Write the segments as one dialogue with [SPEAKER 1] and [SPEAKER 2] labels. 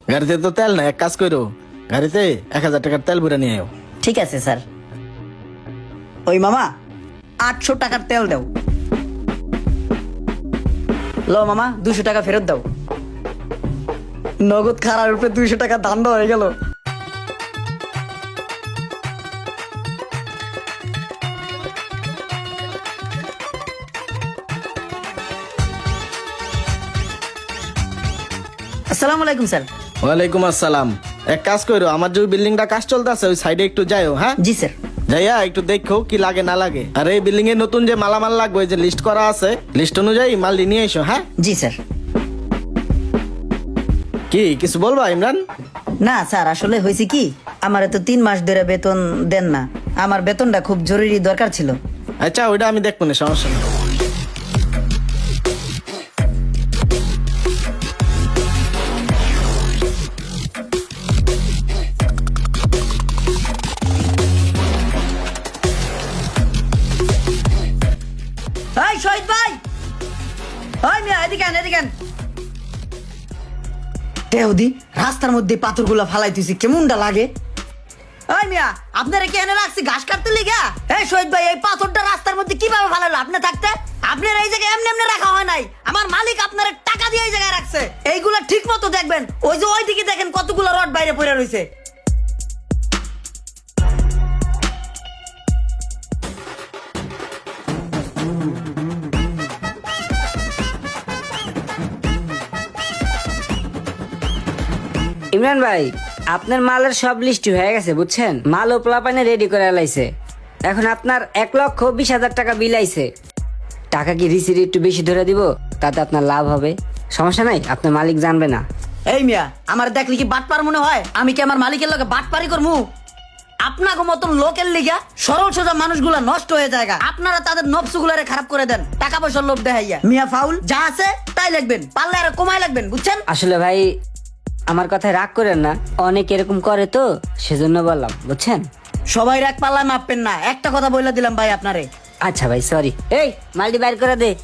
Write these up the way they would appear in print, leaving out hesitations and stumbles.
[SPEAKER 1] গাড়িতে তো তেল না, এক কাজ করো, গাড়িতে 1000 টাকার তেল ভরে নিয়ে আয়।
[SPEAKER 2] ঠিক আছে স্যার। ওই মামা 800 টাকার তেল দাও। লো মামা 200 টাকা ফেরত দাও। নগদ খারার উপরে 200 টাকা দাম দেওয়া হয়ে গেল। আসসালামু আলাইকুম স্যার।
[SPEAKER 1] ওয়ালাইকুম আসসালাম। এক কাজ করো, আমার যে বিল্ডিংটা কাজ চলতেছে ওই সাইডে একটু যাইও। হ্যাঁ
[SPEAKER 2] জি স্যার।
[SPEAKER 1] যাইয়া একটু দেখো কি লাগে না লাগে। আর এই বিল্ডিং এ নতুন যে মালামাল লাগবে যে লিস্ট করা আছে, লিস্ট অনুযায়ী মাল নিয়ে এসো। হ্যাঁ
[SPEAKER 2] জি স্যার।
[SPEAKER 1] কি কিছু বলবা ইমরান?
[SPEAKER 2] না স্যার, আসলে হয়েছে কি, আমার তো 3 মাস ধরে বেতন দেন না। আমার বেতনটা খুব জরুরি দরকার ছিল।
[SPEAKER 1] আচ্ছা ওইটা আমি দেখবো না, সমস্যা নেই।
[SPEAKER 2] এই শহীদ ভাই, ওই মিয়া এদিকে আন, এদিকে আন। দেহদি রাস্তার মধ্যে পাথরগুলা ফালাইতেছি, কেমনটা লাগে। ওই মিয়া আপনারা কি এনে রাখছি ঘাস কাটতে লিগা? এই শহীদ ভাই, এই পাথরটা রাস্তার মধ্যে কিভাবে ফালালো আপনি থাকতে? আপনার এই জায়গায় এমনি এমনি রাখা হয় নাই। আমার মালিক আপনার টাকা দিয়ে এই জায়গায় রাখছে। এইগুলা ঠিক মতো দেখবেন। ওই যে ওইদিকে দেখেন কতগুলো রড বাইরে পড়ে রয়েছে।
[SPEAKER 3] ইমরান ভাই, আপনার মালের সব লিস্ট হয়ে গেছে বুঝছেন। মাল ও প্লাপানে রেডি করে লাইছে। এখন আপনার 1,20,000 টাকা বিল আইছে। টাকা কি রিসিট একটু বেশি ধরে দিব, তাতে আপনার লাভ হবে। সমস্যা নাই, আপনার মালিক জানবে না।
[SPEAKER 2] এই মিয়া আমার দেখলি কি বাটপার মনে হয়? আমি কি আমার মালিকের লগে বাটপারি করমু? আপনাকে মতন লোকের লিগা সরল সোজা মানুষগুলা নষ্ট হয়ে যায়। আপনারা তাদের নবসুগুলারে খারাপ করে দেন টাকা পয়সার লোভ দেখাইয়া। মিয়া ফাউল যা আছে তাই লাগবেন, পারলে আর কমাই লাগবেন বুঝছেন।
[SPEAKER 3] আসলে ভাই আমার কথায় রাগ করেন না, অনেক এরকম করে তো সেজন্য বললাম বুঝছেন।
[SPEAKER 2] সবাই রাগ পাল্লা মাপবেন না, একটা কথা বলে দিলাম ভাই আপনারে।
[SPEAKER 3] আচ্ছা ভাই সরি। এই মালটি বাইর করে দে।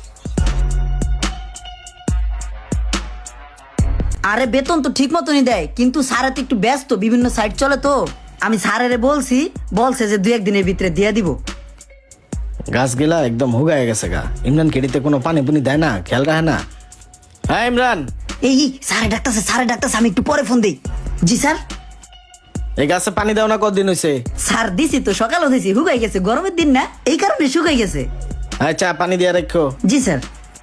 [SPEAKER 2] আরে বেতন তো ঠিক মতনই দেয়, কিন্তু স্যার তো একটু ব্যস্ত, বিভিন্ন সাইট চলে তো। আমি স্যারেরে বলছে যে 2-1 দিনের ভিতরে দিয়ে দিব।
[SPEAKER 1] গাছগুলা একদম হুগায় গেছে গা। ইমরান কেডিতে কোনো পানি পুনি দেয় না, খেয়াল রাখে না। হ্যাঁ ইমরান,
[SPEAKER 2] এই স্যারে ডাক্তারছে, আমি একটু পরে ফোন দিই। জি স্যার।
[SPEAKER 1] এই গাছে পানি দাও না, কতদিন হয়েছে?
[SPEAKER 2] স্যার দিছি তো, সকালও দিছি, শুকাই গেছে, গরমের দিন না এই কারণে শুকাই গেছে।
[SPEAKER 1] আচ্ছা পানি দিয়ে রাখো।
[SPEAKER 2] জি স্যার।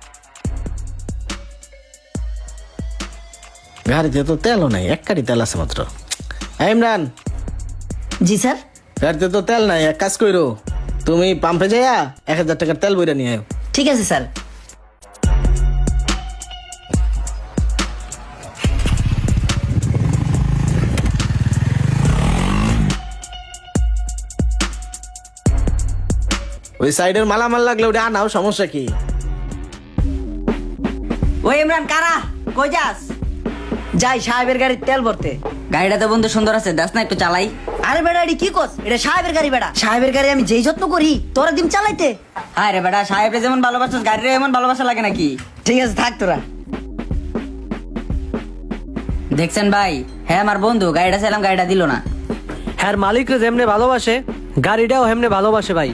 [SPEAKER 1] গাড়িতে তো তেলও নাই, 1 কাঠি তেল আছে মাত্র। হ্যাঁ ইমরান,
[SPEAKER 2] জি স্যার।
[SPEAKER 1] গাড়িতে তো তেল নাই, এক কাজ করো, তুমি পাম্পে যাইয়া 1000 টাকার তেল বইরা নিয়ে আয়।
[SPEAKER 2] ঠিক আছে স্যার।
[SPEAKER 1] ওই সাইডের মালামাল লাগলে ওটা আনাও, সমস্যা কি?
[SPEAKER 2] ওই ইমরান কারা, কই যাস? যাই সাহেবের গাড়ির তেল ভরতে।
[SPEAKER 3] গাড়িটা তো বন্ধু সুন্দর আছে, দাস না একটু চালাই।
[SPEAKER 2] আরে বেটা এটি কি কস? এটা সাহেবের গাড়ি বেটা। সাহেবের গাড়ি আমি যেই যত্ন করি তোরা দিন চালাইতে।
[SPEAKER 3] হ্যাঁ রে বেটা, সাহেবরে যেমন ভালোবাসা গাড়িরে এমন ভালোবাসা লাগে নাকি?
[SPEAKER 2] ঠিক আছে থাক তোরা।
[SPEAKER 3] দেখছেন ভাই, হ্যাঁ আমার বন্ধু গাড়িটা চাইলাম, গাড়িটা দিল না।
[SPEAKER 4] হ্যাঁ মালিকরে যেমনে ভালোবাসে গাড়িটাও হেমনে ভালোবাসে ভাই।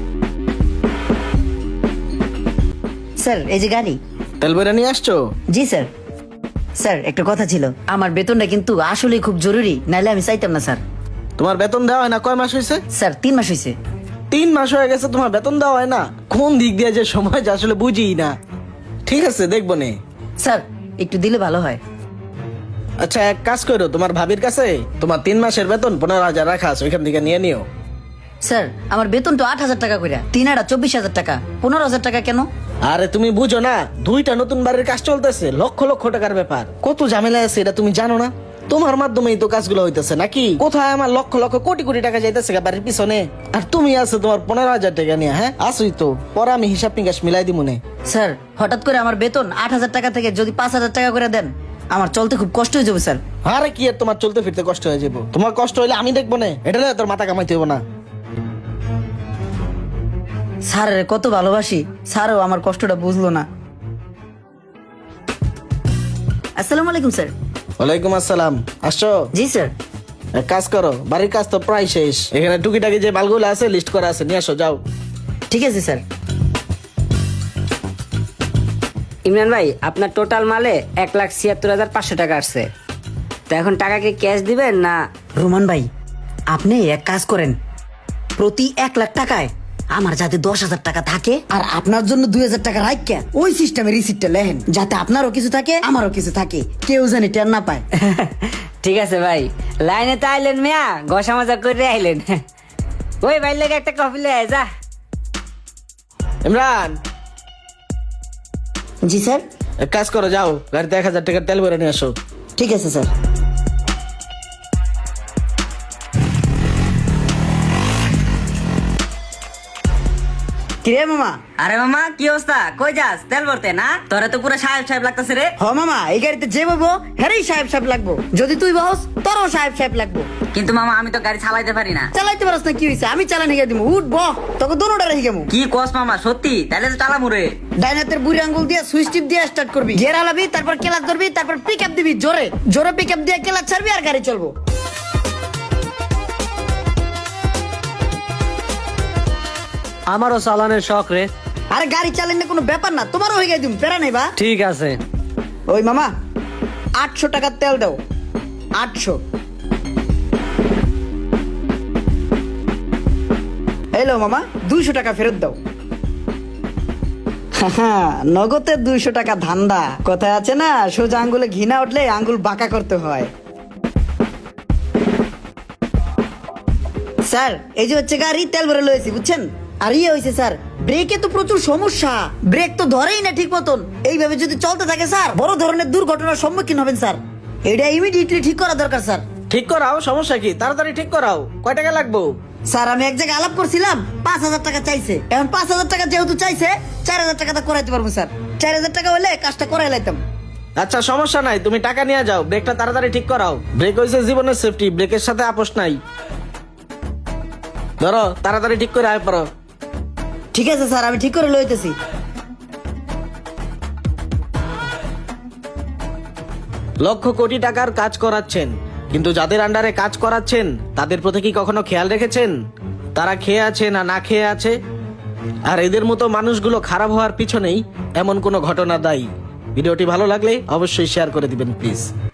[SPEAKER 2] স্যার এই যে গাড়ি।
[SPEAKER 1] তেল বইরা নিয়ে আসছো?
[SPEAKER 2] জি স্যার। স্যার একটা কথা ছিল, আমার বেতনটা কিন্তু আসলে খুব জরুরি, নাইলে আমি চাইতাম না স্যার।
[SPEAKER 1] তোমার বেতন দেওয়া হয় না? কয় মাস হয়েছে?
[SPEAKER 2] স্যার 3 মাস হয়েছে।
[SPEAKER 1] 3 মাস হয়ে গেছে তোমার বেতন দেওয়া হয় না? কোন দিক দিয়ে যে সময় যে আসলে বুঝি না। ঠিক আছে দেখবো নে।
[SPEAKER 2] স্যার একটু দিলে ভালো হয়।
[SPEAKER 1] আচ্ছা এক কাজ করো, তোমার ভাবির কাছে তোমার 3 মাসের বেতন 15,000 রাখা আছে, ওইখান থেকে নিয়ে নিও।
[SPEAKER 2] স্যার আমার বেতন তো 8,000 টাকা করে, 3 24,000 টাকা, 15,000 টাকা কেন?
[SPEAKER 1] আরে তুমি বুঝো না, 2টা নতুন বাড়ির কাজ চলতেছে, লক্ষ লক্ষ টাকার ব্যাপার, কত ঝামেলা আছে এটা তুমি জানো না? তোমার মাধ্যমেই তো কাজগুলো হইতেছে নাকি? কোথায় আমার লক্ষ লক্ষ কোটি কোটি টাকা যাইতেছে বাড়ির পিছনে, আর তুমি আছে তোমার 15,000 টাকা নিয়ে। হ্যাঁ আসুই তো, পরে আমি হিসাব নিকাশ মিলাই দিব নে।
[SPEAKER 2] স্যার হঠাৎ করে আমার বেতন 8,000 টাকা থেকে যদি 5,000 টাকা করে দেন, আমার চলতে খুব কষ্ট হয়ে যাবে স্যার।
[SPEAKER 1] আরে কি আর তোমার চলতে ফিরতে কষ্ট হয়ে যাবো? তোমার কষ্ট হইলে আমি দেখবো না, এটা নিয়ে তোর মাথা কামাইতে হইব না।
[SPEAKER 2] স্যারের কত ভালোবাসি, স্যারও আমার কষ্টটা বুঝলো না। আসসালামু আলাইকুম স্যার।
[SPEAKER 1] ওয়ালাইকুম আসসালাম। আসছো?
[SPEAKER 2] জি স্যার।
[SPEAKER 1] এক কাজ করো, বাড়ির কাজ তো প্রায় শেষ, এখানে টুকিটাকি যে মালগুলো আছে লিস্ট করা আছে, নিয়ে আসো, যাও।
[SPEAKER 2] ঠিক আছে স্যার।
[SPEAKER 3] ইমরান ভাই আপনার টোটাল মালে 1,76,500 টাকা আসছে। তো এখন টাকা কি ক্যাশ দিবেন না?
[SPEAKER 2] রোমান ভাই, আপনি এক কাজ করেন, প্রতি 1,00,000 টাকায় আমার যাতে 10,000 টাকা থাকে আর আপনার জন্য 2,000 টাকা রাখকে ওই সিস্টেমে রিসিপ্টটা লেখেন, যাতে আপনারও কিছু থাকে আমারও কিছু থাকে, কেউ জানি টের না পায়।
[SPEAKER 3] ঠিক আছে ভাই, লাইনে তো আইলেন মিয়া, ঘষা মাজা করে আইলেন। ওই ভাই লেগে একটা কফি লে আয়, যা।
[SPEAKER 1] ইমরান,
[SPEAKER 2] জি স্যার।
[SPEAKER 1] এক কাজ করো, যাও গাড়িতে 1,000 টাকার তেল ভরে নিয়ে আসো।
[SPEAKER 2] ঠিক আছে স্যার। কিরে মামা?
[SPEAKER 3] আরে মামা কি অবস্থা, কই যাস? তেল ভরতে না? তোরা তো পুরো সাহেব সাহেব লাগতেছে রে।
[SPEAKER 2] হ মামা, এই গাড়িতে যে বলবো হ্যারেই সাহেব সাহেব লাগবো, যদি তুই বহস তোরও সাহেব সাহেব লাগবো।
[SPEAKER 3] কিন্তু মামা আমি তো গাড়ি চালাইতে পারি না।
[SPEAKER 2] চালাইতে পারস না কি হয়েছে, আমি চালানি গিয়ে দিব, উঠ বহ, তোকে দোনোটা রেখে গেমু।
[SPEAKER 3] কি কস মামা, সত্যি? তাহলে তো চালামু রে।
[SPEAKER 2] ডাইনাতের বুড়ি আঙ্গুল দিয়ে সুইচ টিপ দিয়ে স্টার্ট করবি, গিয়ার হালাবি, তারপর ক্লাচ ধরবি, তারপর পিক আপ দিবি, জোরে জোরে পিক আপ দিয়ে ক্লাচ ছাড়বি আর গাড়ি চলবো।
[SPEAKER 4] আমারও চালানের শখ রে।
[SPEAKER 2] আরে গাড়ি চালানো কোনো ব্যাপার না, তোমারও হয়ে গেছে, প্যারা নেই বা।
[SPEAKER 4] ঠিক আছে।
[SPEAKER 2] ওই মামা 800 টাকার তেল দাও, 800। এলো মামা 200 টাকা ফেরত দাও। নগদে 200 টাকা ধান্দা, কথায় আছে না, সোজা আঙ্গুলে ঘৃণা উঠলে আঙ্গুল বাঁকা করতে হয়। স্যার এই যে হচ্ছে গাড়ি, তেল ভরে লয়েছি বুঝছেন। আর ইয়ে হয়েছে স্যার, ব্রেকে তো প্রচুর সমস্যা, ব্রেক তো ধরেই না ঠিক মতন, এইভাবে যদি চলতে থাকে স্যার বড় ধরনের দুর্ঘটনার সম্মুখীন হবেন স্যার, এটা ইমিডিয়েটলি ঠিক করা দরকার স্যার।
[SPEAKER 1] ঠিক করাও, সমস্যা কি? তাড়াতাড়ি ঠিক করাও। কয় টাকা লাগবো?
[SPEAKER 2] স্যার আমি এক জায়গায় আলাপ করছিলাম, 5,000 টাকা চাইছে, এখন 5,000 টাকা যেহেতু চাইছে 4,000 টাকা তো করাইতে পারবো স্যার, 4,000 টাকা হলে কাজটা করাই লাইতাম।
[SPEAKER 1] আচ্ছা সমস্যা নাই, তুমি টাকা নিয়ে যাও, ব্রেকটা তাড়াতাড়ি ঠিক করাও। ব্রেক হয়েছে জীবনের সেফটি, ব্রেকের সাথে আপোষ নাই। ধরো তাড়াতাড়ি ঠিক করে আয় পড়ো।
[SPEAKER 2] ঠিক আছে স্যার, আমি ঠিক করে লইতেছি।
[SPEAKER 1] লক্ষ কোটি টাকার কাজ করাচ্ছেন, কিন্তু যাদের আন্ডারে কাজ করাচ্ছেন তাদের প্রতি কি কখনো খেয়াল রেখেছেন? তারা খেয়ে আছে না না খেয়ে আছে? আর এদের মতো মানুষগুলো খারাপ হওয়ার পিছনেই এমন কোনো ঘটনা দায়ী। ভিডিওটি ভালো লাগলে অবশ্যই শেয়ার করে দিবেন প্লিজ।